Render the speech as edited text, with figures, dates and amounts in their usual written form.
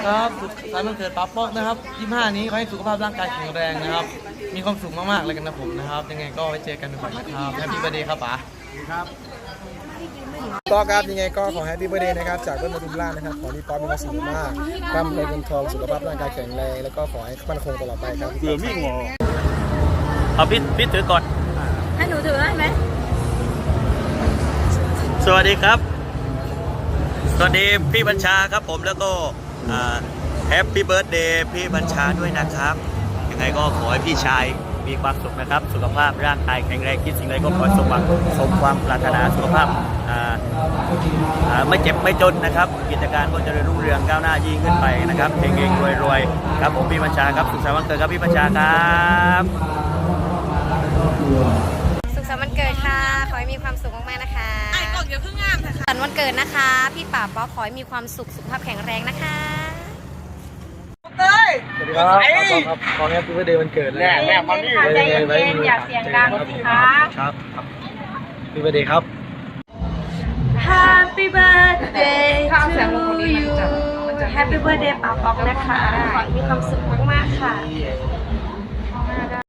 ครับสุขสันต์วันเกิดป๊าป๊อกนะครับ25นี้ขอให้สุขภาพร่างกายแข็งแรงนะครับมีความสุขมากๆเลยกันนะผมนะครับยังไงก็ไว้เจอกันบ่อยๆนะครับแฮปปี้เบิร์ธเดย์ครับป๋าครับก็ครับยังไงก็ขอแฮปปี้เบิร์ธเดย์นะครับจากต้นมะทุมราชนะครับขอที่ป๊อปมีความสุขมากร่ำรวยเงินทองสุขภาพร่างกายแข็งแรงแล้วก็ขอให้มั่นคงตลอดไปครับเบื่อไม่งอเอาพี่ถือก่อนให้หนูถือได้ไหมสวัสดีครับสวัสดีพี่บัญชาครับผมแล้วก็แฮปปี้เบิร์ธเดย์พี่บัญชาด้วยนะครับยังไงก็ขอให้พี่ชายมีความสุขนะครับสุขภาพร่างกายแข็งแรงคิดสิ่งใดก็ขอสมหวังสมความปรารถนาสุขภาพไม่เจ็บไม่จนนะครับกิจการก็จะรุ่งเรืองก้าวหน้ายิ่งขึ้นไปนะครับเฮงๆรวยๆครับผมพี่บัญชาครับสุขสันต์วันเกิดครับพี่บัญชาครับสุขสันต์วันเกิดค่ะขอให้มีความสุขมากๆนะคะไอ้กล่องเดี๋ยวเพิ่งงามค่ะสันต์วันเกิดนะคะพี่ป๋าป๊อกขอให้มีความสุขสุขภาพแข็งแรงนะคะสวัสดีครับครับขอแฮปปี้เบิร์ธเดย์วันเกิดเลยแม่มานี่ใจเย็นๆอย่าเสียงดังสิคะครับแฮปปี้เบิร์ธเดย์ครับ Happy birthday to you Happy birthday ป๋าป๊อกนะคะขอให้มีความสุขมากๆค่ะ